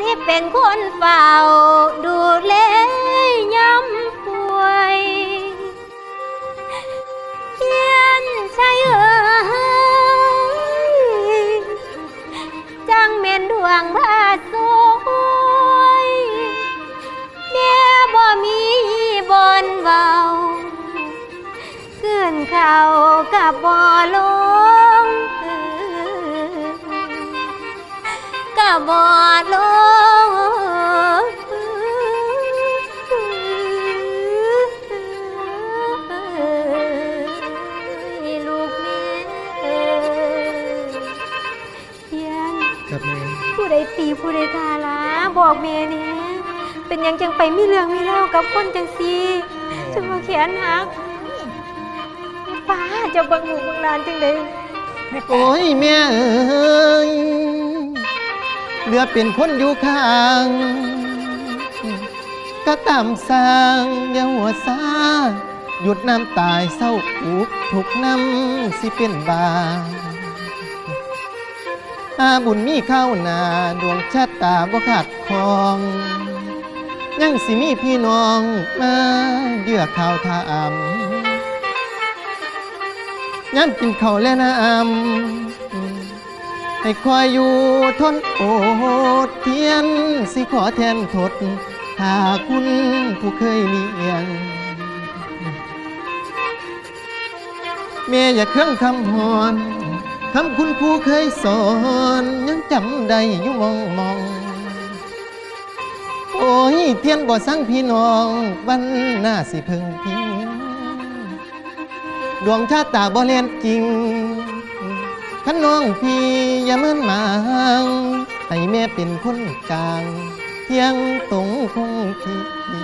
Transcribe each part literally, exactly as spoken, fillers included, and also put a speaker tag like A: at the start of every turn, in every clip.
A: เป็นคนเฝ้าดูแลย้ำป่วยเทียนชัยเอ๋ยจังเม่นดวงพาสวยแม่บ่มีบนเว้าเกินเขากับบ่ลงกับบ่ลงลูกแม่เทียน
B: ครับแม่
A: ผู้ใดตีผู้ใดทาละบอกแม่นี่เป็นยังจังไปมีเรื่องมีเล่ากับคนจังซีจังมาเขียนหักป้าจะบังหนูบังลานจังเลย
B: โอ้ยแม่เอ้ยเหลือเป็นคนอยู่ข้างก็ตามสร้างอย่าหัวซาหยุดน้ำตายเศร้าอุกทุกน้ำสิเป็นบาอาบุญมีเข้านาดวงชะตาบ่ขาดคองยังสิมีพี่น้องมาเยื่อข่าวทามย้ำกินข้าวและน้ำให้คอยอยู่ทนโอดเทียนสิขอแทนทดหาคุณผู้เคยเลี้ยงแม่อย่าเครื่องคำหอนคำคุณผู้เคยสอนยังจำได้อยู่มองมองโอ้ยเทียนบ่สั่งพี่น้องวันหน้าสิเพิ่งพิงดวงชะตาบ่เล่นจริงขันน้องพี่อย่าเมินหมางให้แม่เป็นคนกลางเที่ยงตรงคงที่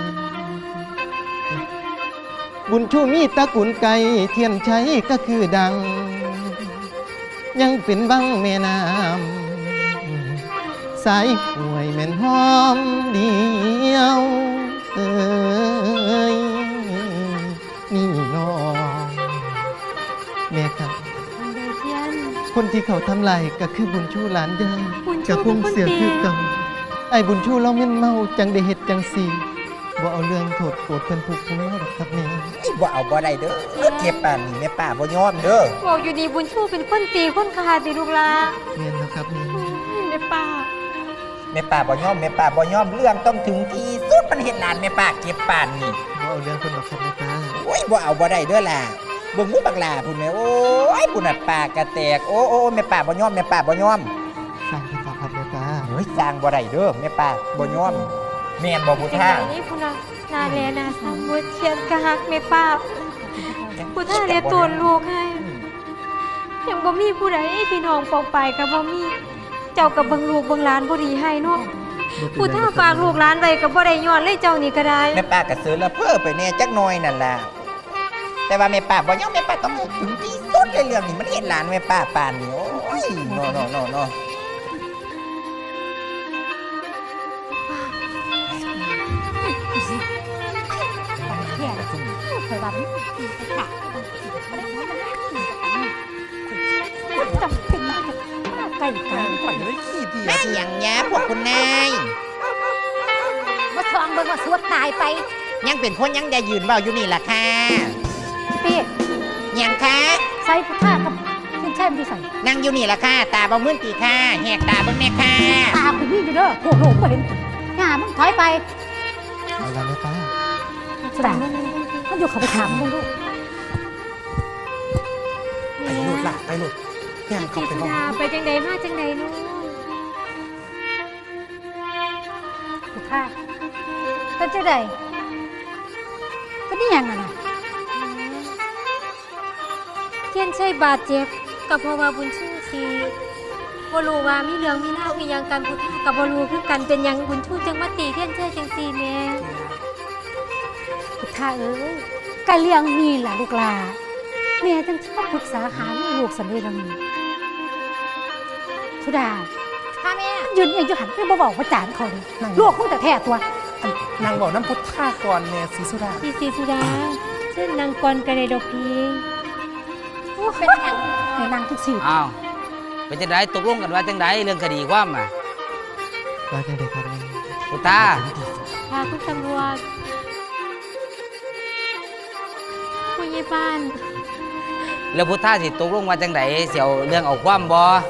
B: บุญชูมีตระกูลไก่เทียนชัยก็คือดังยังเป็นบังแม่น้ำสายป่วยแม่นหอมเดียวเอ้ยนี่น้องแม่ครับคนที่เขาทำลายก็คือบุญชูหลานยายกับพงเสียคือเก่าไอ้บุญชูเราเม่นเมาจังได้เฮ็ดจังสีบ่เอาเรื่องโทษโกรธเพิ่นผูกคุ้มมาดอกครับแม่
C: บ่เอาบ่ได้เด้อเก็บป่านนี่แม่ป้าบ่ยอมเด้อ
A: บอกอยู่ดีบุญชูเป็นคนตีคนขาตีลูกลา
B: แม่นแล้วครับแม่
A: แม่ป้า
C: แม่ป้าบ่ยอมแม่ป้าบ่ยอมเรื่องต้องถึงที่สุดมันเฮ็ดหลานแม่ป้าเก็บป่านนี่
B: บ่เอาเรื่องคนดอกครับแม่ตา
C: โอ้ยบ่เอาบ่ได้เด้อล่ะเบิ่งหมูบักหลาพุ่นแม่โอ้ยพุ่นน่ะปากกระแตกโอ้โอ้แม่ป้าบ่ยอมแม่ป้าบ่ยอม
B: สร้างกันต่อครับแม่ตา
C: เฮ้ยสร้างบ่ได้เด้อแม่ป้าบ่ยอมแม่นบ่ผู้
A: จัง
C: ท่า
A: ไหนนี่พุ่นน่ะนาแลนาสามบุญเทียนกะฮักแม่ป้าผู้ท่าเรียตัวลูกให้ยังบ่มีผู้ใดพี่น้องปองไปกับบ่มีเจ้ากับเบิ่งลูกเบิ่งหลานบ่ดีให้เนาะผู้ท่าฝากลูกหลานไว้ก็บ่ได้ย้อนเลยเจ้านี่ก็ได้
C: แม่ป้าก็เสือละเพ้อไปแน่จักหน่อยนั่นล่ะแต่ว่าแม่ป้าบ่ยอมแม่ป้าต้องถึงที่สุดเลยเรื่องนี้มันเฮ็ดหลานแม่ป้าปานนี่โอ้ยเนาะๆๆๆ
D: แย่เลยเคยว่าไม่ดีค่ะจับเป็นมากไก่ไก่
B: ไปเลยขี้เดีย
C: แม่หยังยะพวกคุณนาย
D: มาซองเบิ่งว่าสวดตายไป
C: ยังเป็นคนยังได้ยืนเบาอยู่นี่ล่ะค่ะ
D: พี่
C: หยังคะ
D: ใส่ผ้ากับเส้นแช่มที่ใส่
C: นั่งอยู่นี่ล่ะค่ะตาบ่มื่นตีค่ะแหกตาเบิ่งแม่ค่ะ
D: ตาคุณพี่อยู่เด้อโอ้โหก็เห็นหน้ามึงถอยไป
B: เอาละแม่ตา
D: สดามันอยู่เขาไปถามมึงดู
A: ไปหลุดล่ะไปหลุดแม่เขาไปห้องไปจังใดมาจังใดนู้น
D: ถูกค่ะเป็นเจ้าใดเป็นนี่ยังไงนะ
A: เทียนชัยบาดเจ็บก็เพราะว่าบุญชูสิบ่รู้ว่ามีเรื่องมีเล่าวอีหยังกันผู้ท่าก็บ่รู้คือกันเป็นหยังบุญชูจังมาตีเทียนชัยจังซี่แม่
D: ถูกค่ะเอ้ยกะเลี้ยงนี่แหละลูกลาแม่จังชอบปรึกษาหาลูกสันเดย์นีสุดา
A: ค่ะแม่
D: ยืนเองจะหันไปบ่บอกว่าจานเขาดิลูกมึงแต่แท้ตัว
B: นางบอกน้ำพุทธาก่อนแม่ศรีสุดา
A: พี่ศรีสุดาเชิญนางกรกันเลยดอกพีเป็นหยัง
D: ในนางทุกสิ่ง
E: อ้าวเป็นจังไดตกลงกันว่าจังไดเรื่องคดีความอ่ะ
B: ว่าจังไดครับแม่
E: พุทธา
A: ค่ะคุณตำรวจผู้ใหญ่บ้าน
E: แล้วพุทธาสิตกลงว่าจังไดเสียวเรื่องเอาความบ่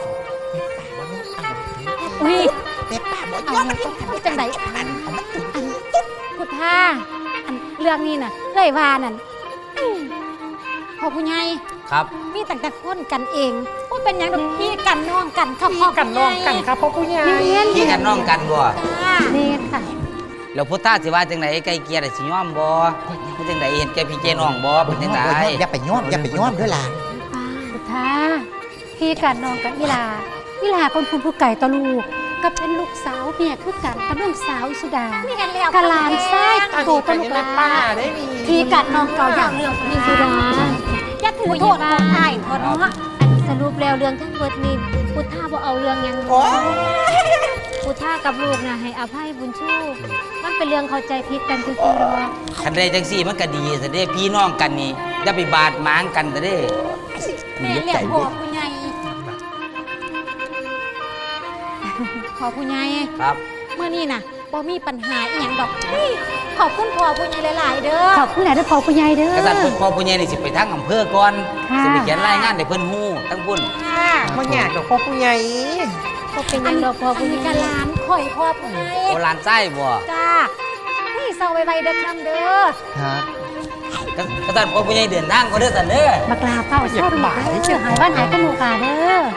D: อุ้ย
C: แม่ป้าบ่ย
D: เอา
C: อม
D: มันต้องทำจังได
C: อันเอามันถึง
D: อันพุทธาอันเรื่องนี้น่ะเอ้ยว่านั่นอื้อพ่อผู้ใหญ่
E: ครับ
D: มีตั้งแต่คนกันเองว่าเป็นหยังดอกพี่กันน้องกันครับพ่อ
F: กันน้องกันครับพ่อผู้ใหญ่
D: เมียน
E: พี่กันน้องกันบ่
D: จ้าเมียนค่ะ
E: แล้วพุทธาสิว่าจังไดไกลเกลี่ยได้สิยอมบ่มันจังไดเห็นแก่พี่แกน้องบ่เป็นจังได
C: อย่าไปย้อมอย่าไปย้อมด้วยล่ะ
D: พุทธาพี่กันน้องกันอีหลาอีหลาคนคุณผู้ไก่ตะลูกก็เป็นลูกสาวเมียคือกันกับน้องสาวอิสุดา
A: มีกันแล้ว
D: กะหลานไส้โตตะลูกหลา
F: ป้าได้มี
D: พี่กันน้องเก่าอย่างเรื่อง
A: มีสุดา
D: อย่าถือโทษของอ้ายเถอะเนาะ
A: อันสรุปแล้วเรื่องทั้งหมดนี่พุทธาบ่เอาเรื่องหยัง
C: โอ้ย
A: พุทธากับลูกน่ะให้อภัยบุญชูมันเป็นเรื่องเข้าใจผิดกันซื่อๆหรอก
E: คันใดจังซี่มันก็ดีซะเด้พี่น้องกันนี่อย่าไปบาดหมางกันซะเด้
D: แม่เลี้ยงพ่อผู้ใหญ่พ่อผู้ใหญ่
E: ครับ
D: เมื่อนี้น่ะบ่มีปัญหาอีหยังดอกเฮ้ยขอบคุณพ่อผู้ใหญ่หลาย ๆ เด้อ
G: ขอบคุณหลายด้วยพ่อผู้ใหญ่เด้อก
E: ษัตริย์พ่อผู้ใหญ่นี่สิไปทางอำเภอก่อน
G: ค่ะ
E: สิไปเขียนรายงานให้เพิ่นฮู้ทั้งพุ่น
D: ค่ะ
F: บ่อยากดอกพ่อผู้ใหญ่
A: บ่เป็นหยังดอกพ่อ
D: อัน
A: ผู้ให
D: นี้
A: ญ่
D: ก็หลานข่อยพ่อผู้ใหญ่
E: โอหลานไส้บ่
D: จ้านี่เศร้าไวๆเด้อคำเด้อ
B: ครับ
E: กษัตริย์พ่อผู้ใหญ่เดินทางก็เด้อซั่นเด้อ
G: บักลาเฝ้าเช่าดูกเด้อหายบ้านหายกันหนูกาเด้อ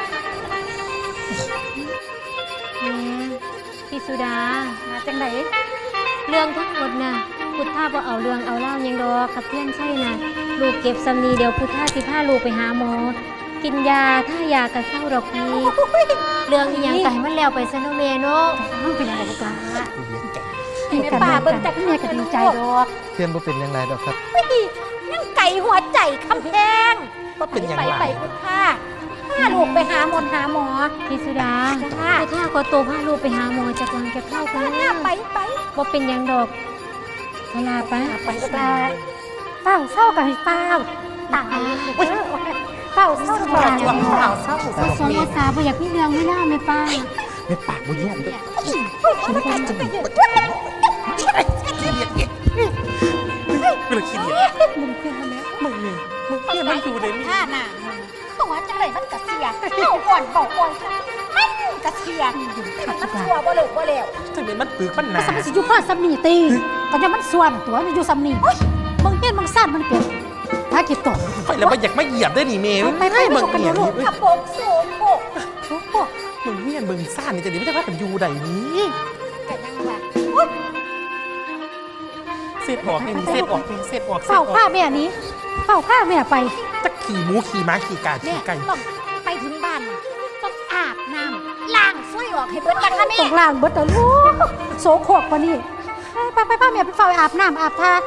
A: แม่พี่สุดา
D: มาจังได
A: เรื่องทั้งหมดน่ะพุทธาบ่เอาเรื่องเอาเล่าหยังดอกกับเพื่อนใช่น่ะลูกเก็บสำนีเดี๋ยวพุทธาสิพาลูกไปหาหมอ กินยาถ้ายากระเศร้าดอกพี่เรื่องอีหยังก็ให้มันแล้วไปซะเนาะแม่เนาะ
G: ต้องเป็นอะไรบักลา
D: ให้แม่ป่าเบิ่งจัก
G: เมียก็ดีใจดอก
B: เพื่อนบ่เป็นอย่างไรดอกครับ
D: นั่งไก่หัวใจคำแพง
F: ก็เป็นอย่าง
D: ไป
F: ไร
D: ไปพุทธาพาลูกไปหาหมอหาหมอ
A: พี่สุดา
D: จ้า
A: พุทธาขอตัวพาลูกไปหาหมอจากวางเก็บเข้ากัน
D: หน้าไปไป
A: บ่เป็นหยังดอกเวลาไป
G: ไปบักลาเฝ้าเศร้ากับให้เฝ้าตายเฝ้าเศร้ากับ
F: ข่า
G: ให้
F: วข่าวเศร้า
A: ภาษาภาษาบ่อยากมีเรื่องไม่เล่าแม่ป้า
F: แม่ปากบ่ยอมด้วยเวลาขี้เดียด
G: มึงเพื่อนมาแล้ว
F: มึงนี่มึงเพื่อนมันอยู่ในนี้
D: ท่าหน้าตัวจังไรมันกระเสียเจ้าก่อนบอกก่อนมันกระเสียมันตัวบ่เหลวบ่เหลว
F: ถึงเป็นมันปึกมันห
G: มัน
F: นา
G: สมัยสิอยู่พ่อซัมนีตีก็จะมันส่วนตัวมันอยู่ซัมนีมึงเห็นมึงสั้นมันเกิดถ้าคิดต่อ
F: ไปแล้วมันอยากมาเหยียบได้หนิเมย์
G: ไปไป
F: ให้มึง
G: ไปกัน
F: เหยียบ
G: ลูก
F: นี่
D: กระโปงสูงโบก
G: โอ้โห
F: มึงเนี่ยมึงซ่านนี่จะดีไม่ใช่ว่ากันอยู่ใดนี้
D: กันยังวะ
F: เสร็จออกนี่เสร็จออกนี่เสร็จออกเสร็จ
G: เฝ้า
F: ออ
G: ข้าก แม่นี้เฝ้าข้าแม่ไป
F: จะขี่หมูขี่ม้าขี่กา
D: เนี่
F: ขี่
D: ย
F: ไก่
D: ต้องไปถึงบ้านต้องอาบน้ำล้างช่วยออกให้เบิดกันค่ะแม่
G: ตกล่างเบิดแต่ลูกโสโครกปะนี่ไปไปไปแม่ไปเฝ้าอาบน้ำอาบท่าน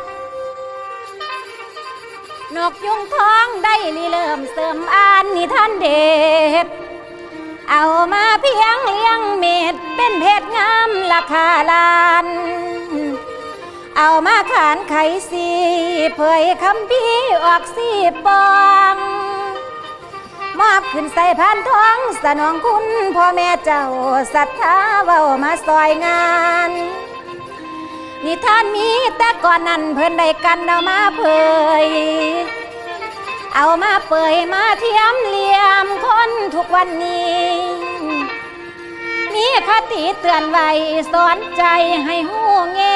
D: กยุงทองได้ลีเริ่มเสริมอ่านนิทานเด็ดเอามาเพียงเลี้ยงเม็ดเป็นเพชรงามราคาล้าน เอามาขานไขสีเผยคำพี่ออกสีปองมอบขึ้นใส่พานทองสนองคุณพ่อแม่เจ้าศรัทธาเว้ามาซอยงานนิทานมีแต่ก่อนนั้นเพิ่นได้กันเอามาเผยเอามาเปยมาเทียมเหลี่ยมคนทุกวันนี้ มีคติเตือนไว้สอนใจให้หูแง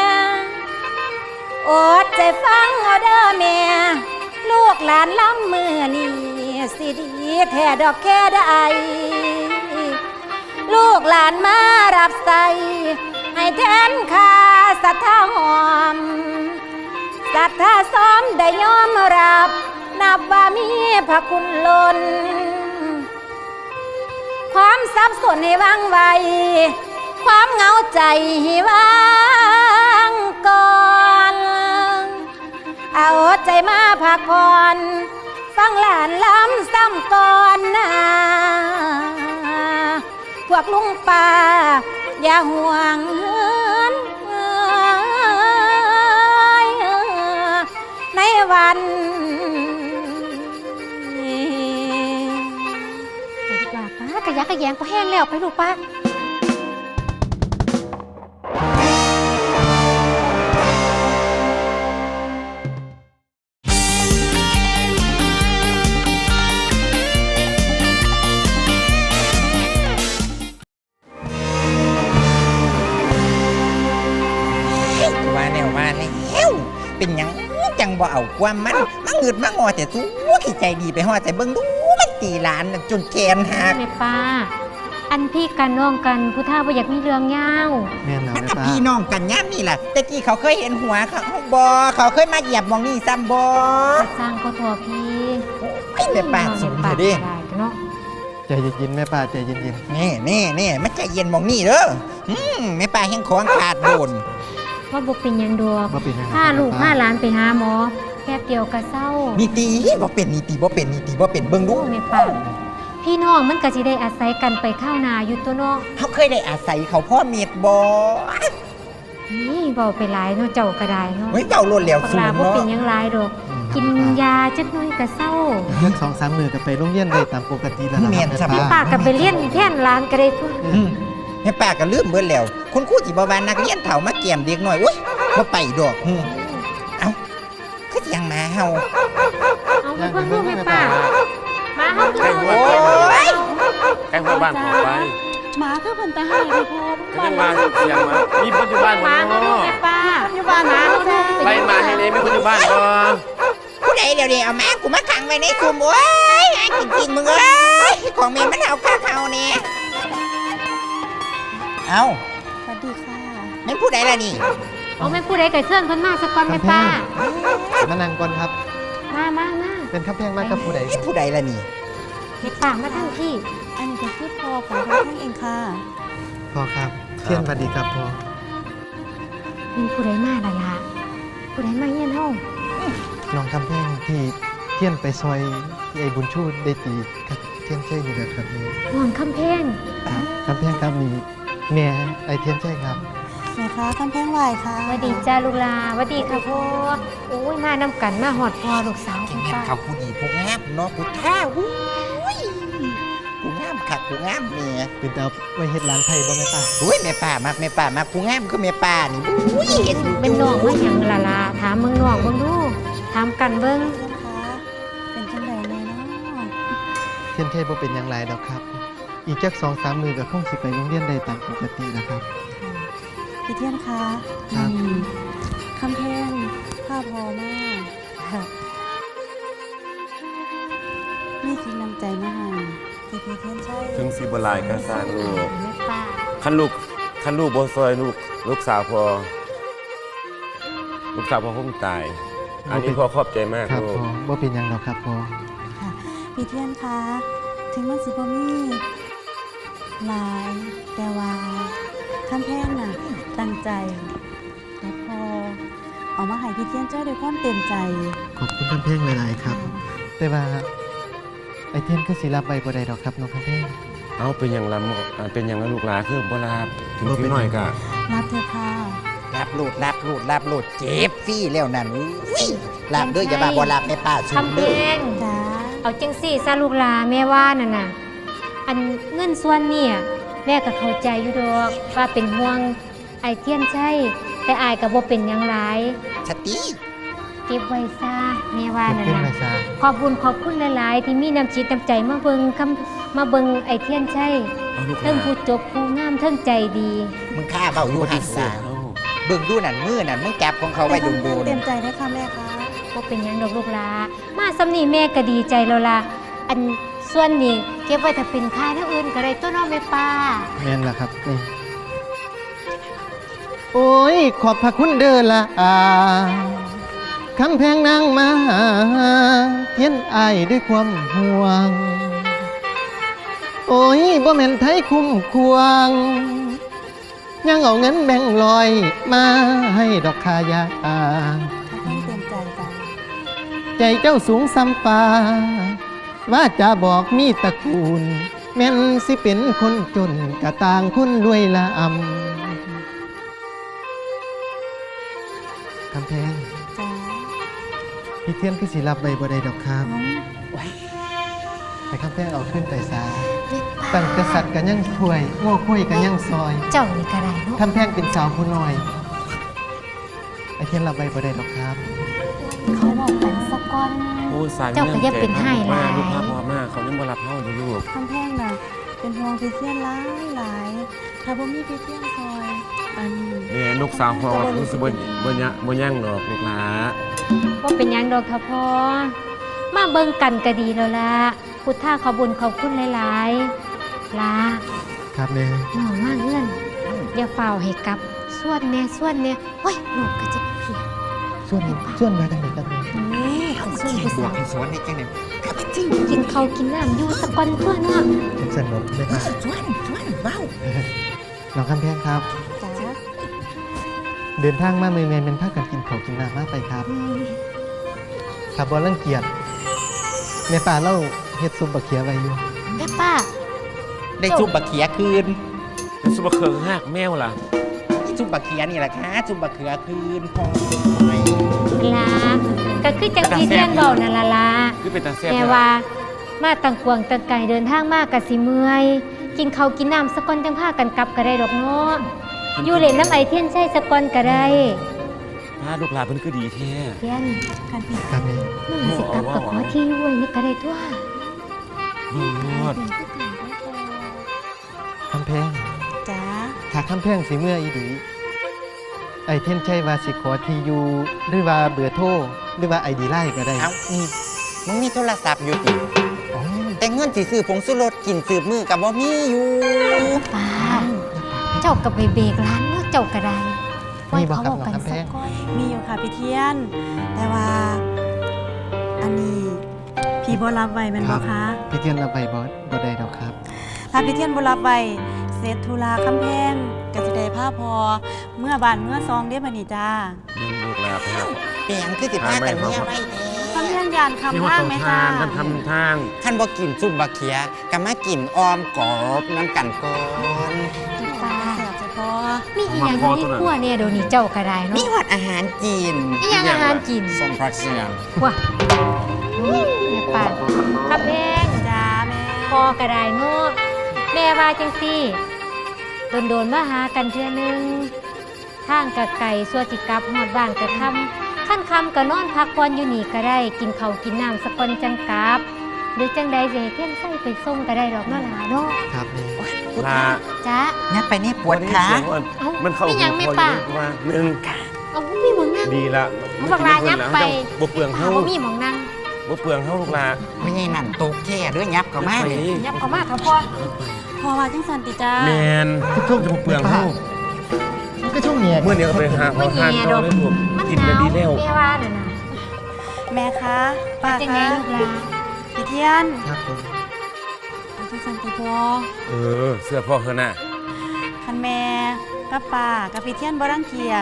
D: อดใจฟังเอาเด้อแม่ลูกหลานล้ำมือนี่สิดีแท้ดอกแค่ใดลูกหลานมารับใส่ให้แทนค่าศรัทธาหอมศรัทธาซ้อมได้ยอมรับนับว่ามีพระคุณล้นความสับสนให้วางไวความเหงาใจให้วางก่อนเอาใจมาพักผ่อนฟังหลานล้ำซ้ำก่อนนะพวกลุงป่าอย่าห่วงเหินในวันนี้
G: ไปดีกว่าป้ากระยักกระแยงก็แห้งแล้วไปลูกป้า
C: เป็นหยังจังบ่เอาความมันมาเงิดมางอแต่สู้ขี้ใจดีไปฮอดแต่เบิ่งดูมันตีหลานน่ะจนแขนหัก
A: แม่ป้า อันพี่กันน้องกันผู้ท่าบ่อยากมีเรื่องยาว
B: แม่นแล้ว
C: มัน
B: แม่
C: กับ
B: ป้า
C: พี่น้องกันย่ามนี่ล่ะแต่กี้เขาเคยเห็นหัวเขาบ่เขาเคยมาเหยียบหมองนี่ซ้ำบ่
A: จะสร้างก็ทัวพี่
C: ไอ้แม่ป้าสูง
A: ปา
C: เด้อดิ
A: ได้เนาะ
B: ใจเย็นๆแม่ป้าใจเย็น
C: นี่นี่นี่มันใจเย็นหมองนี่เด้ออืมแม่ป้าแห่งของขาดโดน
A: ว่าบ่เป็นหยังดอก
B: ๆบ่เป็นหยัง
A: พาลูก
B: แม่
A: พา
B: ป้
A: หลานไปหาหมอแป๊บเดียวก็เศร้า
C: นี่ตีบ่เป็นนี่ตีบ่เป็นนี่ตีบ่เป็นเบิ่งดู
A: โอ้แม่ป้าพี่น้องมันก็สิได้อาศัยกันไปข้าวนาอยู่ตัวเนาะ
C: เขาเคยได้อาศัยเขาพ่อเมียดบ่
A: นี่เบาไปหลายเนาะเจ้าก็ได้เนาะ
C: เฮ้ยเบาโลดแล้ว
A: ปาก
C: สู
A: ลาง บ่
C: เนาะ
A: เป็นหยังหลายดอก
B: อืม
A: กินยาจักหน่อยก็เศร้า
B: เรื่องสองสามมือก็ไปโรงเรียนได้ตามปกติแล้วนะครั
A: แม่
B: แม่
A: ป้า
B: ป้า
A: ก็ไปเรียนแทนหลานก็ได้ทั่ว
C: อืมแม่ป้าก็ลืมเบิดแล้วคุณครูที่บ่ว่านักเรียนเฒ่ามาแก้มเด็กน้อยอุ้ยบ่ไปดอกอืมเอ้าคือสิยังมาเฮา
A: เอาไปเพิ่นลูกแม่ป้ามาเฮา
H: ใกล้
A: ดู
H: หัว
C: โอ้ย
H: ใกล้หัวบ้านผมไป
G: หมาคือเพิ่นตาให้พี่พ่อ
H: ก็ยังมาเสียงมามีคนอยู่บ้าน
A: มา
H: บ่
A: เฮาดู
H: เนาะ
A: แม่ป้าอยู่บ้านมาเฮาดู
H: ไปมาให้เลยมีคนอยู่บ้านบ่
C: ผู้ใดเดี๋ยวนี้เอาแม่กูมาขังไว้ในคุมโอ้ยหากินกินมึงเอ้ยของแม่มันเอาค่าเขาเนี่ยเอ้า
G: สวัสดีค่ะ
C: แม่นผู้ใดล่ะนี่
A: เอาแม่ผู้ใดก็เชิญเพิ่นมาสักก่อนแม่ป้า
B: มานั่งก่อนครับ
A: มามามา
B: เป็นข้าแพงมากกับผู้ใด
C: แม่นผู้ใดล่ะนี่
A: แม่ป้ามาทั้งที่
G: อันนี้ก็คือพ่อของท่านเองค่ะ
B: พ่อครับเทียนสวัสดีครับพ่อ
A: มีผู้ใดมาล่ะล่ะผู้ใดมาเฮียนเฮา
B: น้องคำแพงที่เทียนไปซอยที่ไอ้บุญชูได้ตีกับเทียนใช่นี่แหละครับนี่
A: นอนคำเพง
B: คำแพงครับมีแม่ไอ้เทียนใช่ครับ
G: แม่ค้ากำแพงไหวค่ะ
A: สวัสดีจ้าลูกลาสวัสดีค่ะพ่อโอ้ยมานำกันมาหอดพ่อลูกสาว
C: แม่
A: คุณ
C: น
A: ป้า
C: เขาผู้ดีผู้งามเนาะผู้ท่าอุ้ยผู้งามคักผู้งามเนี่ย
B: เป็นแต่เอาไว้เฮ็ดร้านไทยบ่แม่ป้า
C: อุ้ยแม่ป้ามักแม่ป้ามักผู้งามคือแม่ป้านี่อุ้ยเห็นอยู่
A: เป็นน้องว่าหยังล่ะล่ะถามมึงน้องเบิ่งดูถามกันเบิ่ง
G: เพื่อนคะเป็นจังไดแน่เนาะ
B: เทียนใช่บ่เป็นอย่างไรดอกครับ อีกจักสองสามมือก็คงสิไปโรงเรียนได้ตามปกตินะครับ
G: พี่เทียนคะ
B: ครับ
G: อืมคำแพงข้าพอมากค่ะนี่คือน้ำใจมาให้ที่พี่เทียนใช่
H: ถึงสิบ่หลายก็สร้างลูก
A: แม่ป้า
H: คันลูกคันลูกบ่ซอยลูกลูกสาวพอลูกสาวพอคงตาย อันนี้พ่อขอบใจมาก
B: ครับ
H: ลูก
B: พ่อบ่เป็นหยังดอกครับพ่อ
G: ค่ะพี่เทียนคะถึงมันสิบ่มีหลายแต่ว่าคำแพงน่ะตั้งใจและพอเอามาให้พี่เทียนเจ้าด้วยความเต็มใจ
B: ขอบคุณคำแพงหลายๆครับ แต่ว่าไอ้เทียนก็สิรับไว้บ่ได้ดอกครับน้องคำแพง
H: เอาเป็นอย่างละหมออ่าเป็นอย่างละลูกหลานคือบ่ลาบถึง
B: บ่เป็
H: สิ
B: น
H: หน่อยก็
G: รับเถอะค่ะ
C: รับโลดรับโลดรับโลดเจ็บฟรี่แล้วนั่นอุ้ยรับเด้ออย่ามาบ่รับแม่ป้าสูง
A: คำเพ
C: เด้อ
A: ง
G: จ้า
A: เอาจังสี่ซะลูกลาแม่ว่านั่นน่ะอันเงินส่วนเนี่ยแม่ก็เข้าใจอยู่ดอกว่าเป็นห่วงไอเทียนใช่แต่อายก็บ่เป็นหยังหลาย
C: สติ
A: เก็บไว้ซะแม่ว่า
B: เก็บ
A: นั่น
B: ขึ้น
A: น่ะ
B: มาซะ
A: ขอบคุณขอบคุณหลาย ๆ ที่มีน้ำจิตน้ำใจมาเบิงคำมาเบิงไอเทียนใช่
H: เอาลูกห
A: เทิ
H: ลาง น
A: ผู้จบผู้งามเทิงใจดี
C: มึงฆ่าเบาอยู่หัน
H: สา
C: สาเบิ่งดูนั่นมือนั่นมึงจับของเขาไว้ดูดู
G: เต็มใจได้ค่ะแม่คะ
A: ก็เป็นหยังดอกลูกหลามาสำนีแม่ก็ดีใจแล้วล่ะอันส่วนนี้เก็บไว้ถ้าเป็นค่ายทั้งอื่นก็ได้ตัวน้องแม่ป้า
B: แม่นล่ะครับนี่โอ้ยขอบพระคุณเด้อละอาคำแพงนางมาหาเทียนอายด้วยความห่วง โอ้ยบ่แม่นไทยคุ้มควง ยังเอาเงินแบ่งลอยมาให้ดอกคายา
G: ต้องเต็มใจจ้า
B: ใจเจ้าสูงซ้ำฟ้า ว่าจะบอกมีตระกูล แม่นสิเป็นคนจนกะต่างคนรวยละอำคำแพง
G: จ้า
B: พี่เทียนคือสิรับใบบ่ได้ดอกครับ
G: น้อง
B: ให้คำแพงเอาขึ้นไปซาตั้งกษัตริย์กันยังถ้วยโง่คุยกันยังซอย
A: เจ้านี่ก็ได้เนาะ
B: คำแพงเป็นสาวผู้น้อยไอเทียนรับใบบ่ได้ดอกครับ
A: เขาบอกกันสักก่อน
H: โอ้ยสาย
A: เจ้าก็อย่าเป็นให้หลาย
H: ลูกพาพ่อมาเขายังบ่รับเฮาอยู่ลูก
G: คำแพงน่ะเป็นห่วงพี่เทียนหลายหลายถ้าบ่มีพี่เทียนซอยอัน
H: แม่ลูกสาวพ่อก็คือสิบ่บ่ยะบ่ยั่งดอกลูกหลา
A: ว่าเป็นหยังดอกเถอะพ่อมาเบิ่งกันก็ดีแล้วล่ะพุทธาขอบุญขอบคุณหลายๆลา
B: ครับแม่
A: น้องมาเงื่อนอย่าเฝ้าให้กลับส่วนแน่ส่วนแน่โอ้ยลูกก็จะเพีย
B: ส่วนส่วนมาทางไหนครับแม่
A: นี่ส่วนผู้
C: บว
A: สาก ว
C: ให้สวนได้จังได๋ก็ไปจิ้ง
A: กินข้าวกินน้ำอยู่สะก่อนเพื่อนเนาะ
B: ผมสนุกเลยครับ
C: สวนสวนเว้า
B: น้องคำแพงครับ
G: จ้า
B: เดินทางมาเมืองแมนเป็นภาคกันกินข้าวกินน้ำมากไปครับขับบอลรังเกียจแม่ป่าเล่าเฮ็ดซุปบะเขียไว้อยู่
A: แม่ป้า
C: ได้ซุปบะเขียคืน
H: แล้วสิบ่เคิงหักแมวล่ะ
C: นี่ซุปบะเขียนี่แหละค่ะซุปบะเขือคืนพอย
A: ลาก็คือจังที่เทียนบอกนั่นล่ะล่ะ
H: คือเป็นตาแซ่บ
A: แม่ว่ามาตังกวงตังไก่เดินทางมากกะสิเมื่อยกินข้าวกินน้ำสะก่อนจังพากันกลับก็ได้ดอกเนาะอยู่เล่นน้ำไอเทียนใช่สะก่อนก็ได้
H: พาลูกหลานเพิ่นคือดีแท้
A: เทียน
G: กันพี่
B: ครับแม่
A: น้องสิกลับกับขอที่อยู่ไว้นี่ก็ได้ทั่ว
H: ดูรอด
B: คำแพง
G: จ้า
B: ถ้าคำแพงสิเมื่ออีดีไอเทนใช่ว่าสิขอทีอยู่หรือว่าเบอร์โทรหรือว่าไอดีไลน์ก็ได้
C: เอ้านี่มึงมีโทรศัพท์อยู่ติ
B: อ๋อ
C: แต่เงินสิซื้อผงสุรสกินสืบมือกับบ่มีอยู่
A: ป้าเจ้ากับไปเบรกร้านเนาะเจ้าก็ได้
B: นี่บอกกับ
A: ไว้
B: น้อง
A: เขา
B: คำแพง
A: ก่อน
G: มีอยู่ค่ะพี่เทียน แต่ว่า อันนี้พี่บ่รับไว้แม่นบ่คะ
B: พี่เทียนรับไปบอสบ่ได้ดอกครับ
G: ถ้าพี่เทียนบ่รับไว้เสร็จธุระคำแพงก็สิได้พาพอเมื่อบ้านเมื่อซองเด้บัดนี้จ้า
H: เลี้ยงลูกหลานไปครับ
C: เปียงคือสิพากันเมียไว้แท้
G: คำแพงยานคำ
H: นี่ว่า
G: ทาง
H: ต้อง
G: ไหม
H: ทา
G: จ้า
H: นท่านทำทาง
C: คันบ่กินซุปบะเขียก็มากินออมกอบน้ำกันก่อน
A: ป้า
G: แสบใจพอ
A: มีอีหยังอยู่ในครัวเนี่ยเดี๋ยวนี้เจ้าก็ได้
C: มี
A: เนาะ
C: หอดอาหารจีน
A: อีหยังอาหารกิน
C: สมพักเสียง
A: ว้าแม่ป้าขับแพง
G: จ้าแม่
A: พอก็ได้เนาะแม่ว่าจังซี่โดนๆมาหากันเทื่อนึงทางกะไก่สัวสิกลับฮอดบ้านกะค่ำขั้นค่ำก็นอนพักผ่อนอยู่นี่ก็ได้ กินข้าวกินน้ำสักก่อนจังกลับ หรือจังใดสิให้เทียนไส้ไปส่งก็ได้ดอกเนาะหลาเนาะ
B: ครับแม่
H: ลา
A: จ้า
C: ยักไปนี่ปวดขา
H: เสียงอ่อน
A: เอ้า
H: มันเข้า
A: มีหยัง
H: หู
A: ไม่
H: พอ
A: ป่ะ
H: อยู่ว่าหนึ่ง
A: เอามีหมองนั่ง
H: ดีละ
A: เอาบักลายับไป
H: บ่เปลือง
A: ป้า
H: เฮา
A: บ่มีหมองนั่ง
H: บ่เปลืองเฮาลูกหลาน
C: ไม่ใช่นั่นตกแค่ด้วยยับเข้ามา
H: ไป
C: เลย
A: ยับเข้ามาเถอะพ่อ
G: พอว่าจังสันติจ้า
H: แมนทุกจะบ่เปลืองเฮา
B: มันก็ช่วงเนี้ย
H: เมื่อเดี๋ยวไปหาขอทานต่อเลยลูก
A: มัน
H: กิน
A: ห
H: กัน
A: นาว
H: ดีแล้ว
A: แม่ว่าน่ะนะ
G: แม่คะป้า
A: จังไง
G: คะ
A: ลูกหลา
G: พี่เทียน
B: ครับผม
G: เอาจังสันติพอ
H: เออ เสื้อพ่อเฮาน่ะ
G: คันแม่กับป้ากับพี่เทียนบ่รังเกียจ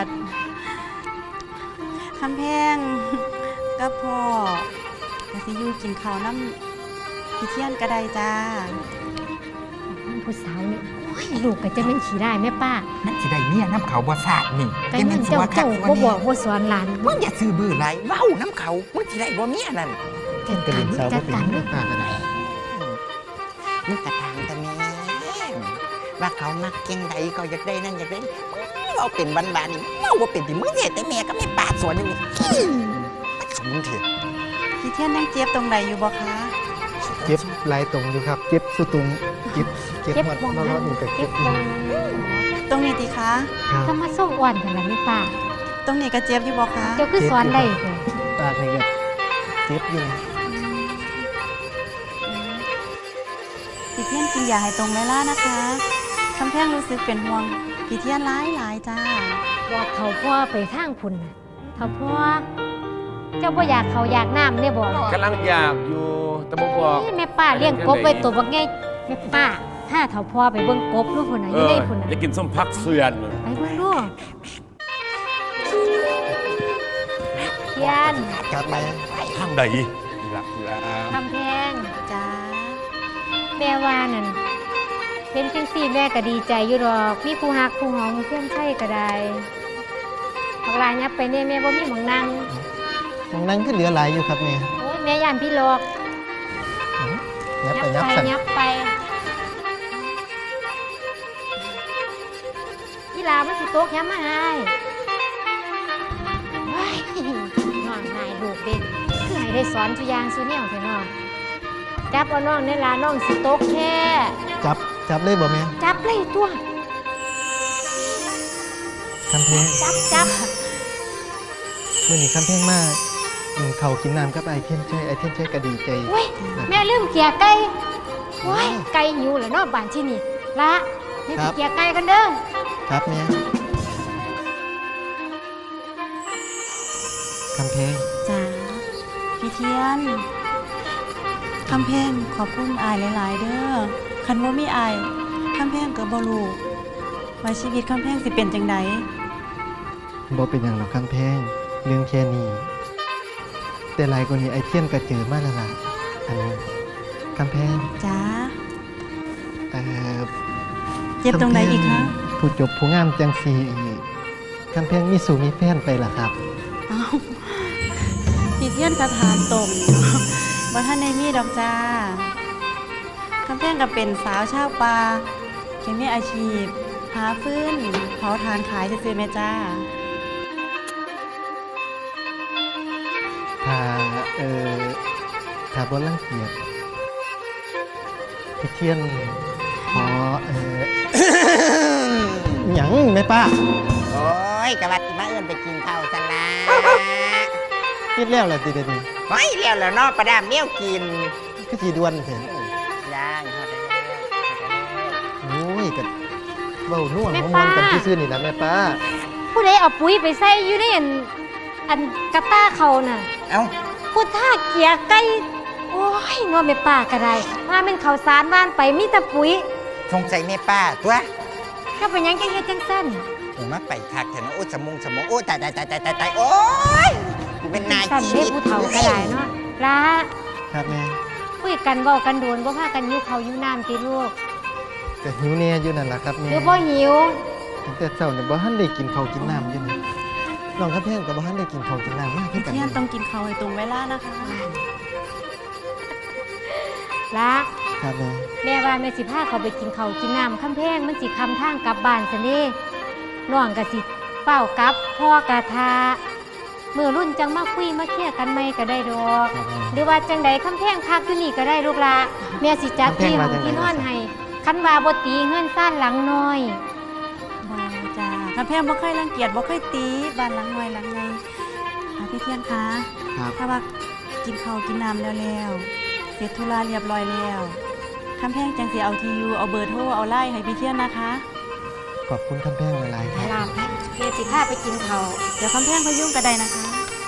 G: คำแพงกับพ่อก็สิอยู่กินข้าวน้ำพี่เทียนก็ได้จ้า
A: ผู้สาวนี่โอ้ยลูกก็จะเป็นขี้ได้แม่ป้า
C: นั่นสิได้เมียน้ำเขาบ่สาดนี่
A: ก็ยังเจ้าเจ้าบ่บอกบ่สอนหลาน
C: มึงอย่าซื้อบื้อไรเว้าน้ำเขามึงสิได้บ่เมียนั่น
A: จัด
B: กระ
A: การ
B: ดิ่งสาว
A: จั
B: ก็
A: ด
B: เป็น
A: การ
B: แม่ป่ากันไหน
C: มึงกระทางตะแม่ว่าเขามักเก่งใดก็อยากได้นั่นอยากได้เราเป็นบ้านๆนี่เราบ่เป็นที่มึงเฮ็ดแต่แม่ก็ไม่ปาดสวนอยู่นี่อื้อมันเขามึงเถอะ
G: พี่เทียนยังเจ็บตรงใดอยู่บ่คะ
B: เจ็บลายตรงอยู่ครับ เจ็บสุดตรงเจ็บเจ็บ
A: เจ็บ
B: หมด
A: บ่ง
B: รอบๆนี่ก็
A: เจ็
B: เจ็
A: บบ บ่ง
G: ตรงนี้ติคะ
B: ครับ
A: ถ้ามาส่งอ่อนกันล่ะแม่ป้า
G: ตรงนี้ก็เจ็บอยู่บ่คะ
A: เจ้าคือสอนได้เด้อ
B: ปากนี่ก็เจ็บอยู่
G: พี่เทียนกินยาให้ตรงเวลานะคะคำแพงรู้สึกเป็นห่วงพี่เทียนหลายหลายๆจ้า
A: บอกเขาพ่อไปทางพุ่นน่ะเขาพ่อเจ้าบ่อยากเขาอยากน้ำเนี่ยบอก
H: กำลังอยากอยู่แต่บ่บอก
A: นี่แม่ป้าเลี้ยงกบไว้ตัวบักใหญ่แม่ป้าถ้าเขาพ่อไปเบิ่งกบลูกพุ่นน่ะอ
H: เอยู่
A: ใน
H: อ
A: พุ่นน่ะ
H: อยากกินส้มพักเสือน
A: ไปเบิ่งดูเทียน
B: ครับแม่
H: ทางใดนี่ล่ะนี่ล่ะ
A: คำแพง
G: จ้า
A: แม่ว่านั่นเป็นจังซี่แม่ก็ดีใจอยู่ดอกมีผู้ฮักผู้หอมเพื่อนใช่ก็ได้บักลายับไปเนี่ยแม่บ่มีหมองนั่ง
B: มองนั่งก็เหลือหลายอยู่ครับแม่
A: โอ้ยแม่ย่านพี่หลอก
B: ยับ
A: ยั
B: ไป
A: บ
B: ยับ
A: ไป
B: สั่น
A: ยับไปพี่ลามันสิโต๊ะแคมมาให้ว้ายน้องนายลูกเด็กคือให้ได้สอนทุกอย่างสุแนวเถอะน้องจับเอาน้องในลาน้องสิโต๊ะแค่
B: จับจับเลยบ่แม่
A: จับเลยตัว
B: คำแพง
A: จับจับ
B: มื่อนี้คำแพงมากกินเขาวกินน้ำกับไอเทียนใช่ไอเทียนใช่ก็ดีใจ
A: เว้ยแม่ลืมเกียร์ไก่โอ้ยไก่หิวแล้วเนาะบ้านที่นี่ละนี่ไปเกียร์ไก่กันเด้อ
B: ครับแม่คำแพง
G: จ้าพี่เทียนคำแพงขอบคุณอายหลาย ๆ เด้อคันว่ามีอายคำแพงกับบลูว่าชีวิตคำแพงสิเป็นจังได
B: บ่เป็นอย่างหรอกคำแพงเรื่องแค่นี้แต่หลายกว่านี้ไอเทียนก็เจอมาแล้วล่ะอันนี้คำแพง
G: จ้า
B: เอ่อ
G: เจ็บตรงไหนอีกคะ
B: ผู้จบผู้งามจังสีอีกคำแพงมีสู่มีแฟนไปล่ะครับ
G: เอ้าพี่เทียนกระถามตรงว่าท่านในมีดอกจ้าคำแพงก็เป็นสาวชาวป่าเขียนมีอาชีพ หาฟืนเผาทานขายซื่อๆแม่จ้า
B: ถ้าเอ่อถ้าบ่รังเกียจพี่เทียนขอเอ่อ หยังแม่ป้า
C: โอ้ยกะว่าสิมาเอิ้นไปกินข้าวซั่นล่ะ
B: คิดแล้วแหละติเดยวนี้
C: ไว้แล้วแล้วเนาะประดามแนวกิน
B: ก็สิด่วนแท้
C: ย่างฮอดแล้ว
B: โอ้ยก็เว้าน่วงมวนๆกันซื่อๆนี่นะแม่ป้า
A: ผู้ใดเอาปุ๋ยไปใส่อยู่ในอันอันกระต้าเขาน่ะ
C: เอ้า
A: ผู้ท่าเกียร์ไก่โอ้ยนอนไม่ป่าก็ได้ว่าเป็นเขาวสารบ้านไปมีแต่ปุ๋ย
C: สงสัยแม่ป้าตัว
A: ถ้าเป็นหยังจังเฮ็ดจังซั่น
C: โอ้มาไปคักแท้เนาะโอ้สมองสมองโอ้ตายตายตายตายตายตายโอ้ยกูเป็นนาย
A: สั่น
C: ชี
A: เด้
C: วิต
A: ผู้เฒ่าก็ได้เนาะละ
B: ครับแม่
A: คุยกันเว้ากันโดนบ่พากันหิวข้าวหิวน้ำติลูก
B: ก็หิวแน่อยู่นั่นล่ะครับ
A: ห
B: แม่
A: รือบ่หิว
B: ตั้งแต่เช้าเนี่ยบ่ทันได้กินข้าวกินน้ำอยู่นี่น้องคำแพงก็บ่ทันได้กินข้าวกินน้ำมากคือ
G: พี่
B: กัน
G: เทียนต้องกินข้าวให้ตรงเวลานะคะ
A: ละ
B: ครับแม่
A: แม่ว่าแม่สิพาเขาไปกินข้าวกินน้ำคำแพงมันสิคำทางกลับบ้านซะเด้น้องก็สิเฝ้ากลับพ่อกะทามื้อรุ่นจังมาคุยมาเคลียร์กันใหม่ก็ได้ดอก
B: ครับแม่
A: หรือว่าจังใดคำแพงพักอยู่นี่ก็ได้ลูกละแม่สิจัดที่ของที่นอนให้คันว่าบ่ตีเงินซ่านหลังน้อย
G: บาจ้าคำแพงบ่เคยรังเกียจบ่เคยตีบ้านหลังน้อยหลังไงค่ะพี่เทียนคะ
B: ครับ
G: ถ้าว่ากินข้าวกินน้ำแล้วแล้วเสร็จธุระเรียบร้อยแล้วคำแพงจังสิเอาทียูเอาเบอร์โทรเอาไล่ให้พี่เทียนนะคะ
B: ขอบคุณคำแพงหลายๆครับ
A: ลาบแม่สิพาไปกินข้าว
G: เดี๋ยวคำแพงพยุ่งกระไดนะคะ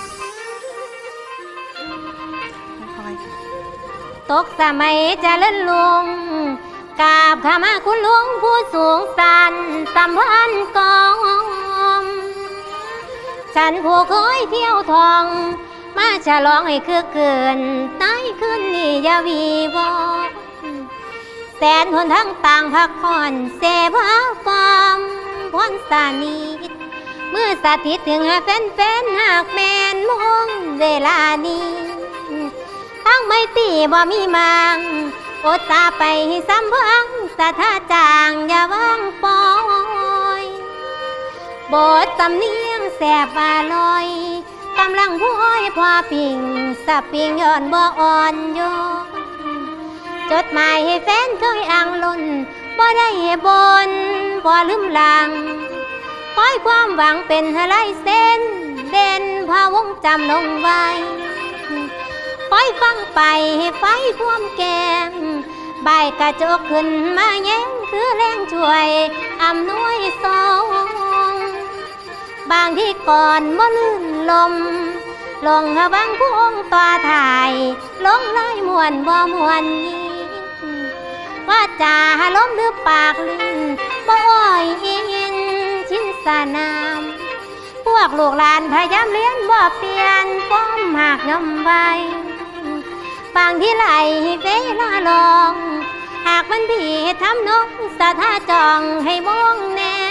G: ค่อยๆค่ะ
A: ตกสมัยเจะเล่นลงกราบขามาคุณหลวงผู้สูงสันสัมพันธ์กองฉันผู้เคยเที่ยวทอง มาฉลองให้คือเกินใต้คืนนี้อยาวีวอนแสนหนทั้งต่างพักผ่อนเสพหาความพรสานิทเมื่อสถิตถึงหาแฟนๆหากแมนมองเวลานี้ทั้งไม่ตีบ่มีมังอดตาไปซ้ำพังสะท่าจางอย่าวางปอยบทสำเนียงแสบอร่อยกำลังพู้อยพอปิ่งสับปิ่งย้อนบ่อ่อนโยนจดหมายให้แฟนเคยอ่างล้นบ่ได้บนบ่ลืมหลังคอยความหวังเป็นอะไรเส้นเด่นพาวงจำลงไว้คอยฟังไปให้ไฟท่วมแก้มใบกระจกขึ้นมาแย้งคือแรงช่วยอำนวยสองบางที่ก่อนบ่ลื่นลมลงหาบางพวงต่อถ่ายลงลายมวนบ่มวนยิงว่าจาลมหรือปากลื่นบ่อ้อยอินชินสนามพวกลูกหลานพยายามเลี้ยนบ่เปลี่ยนป้อมหากยำไว้บางที่ไหลเวลาลองหากมันพี่ทำนกสะท่าจองให้มองแน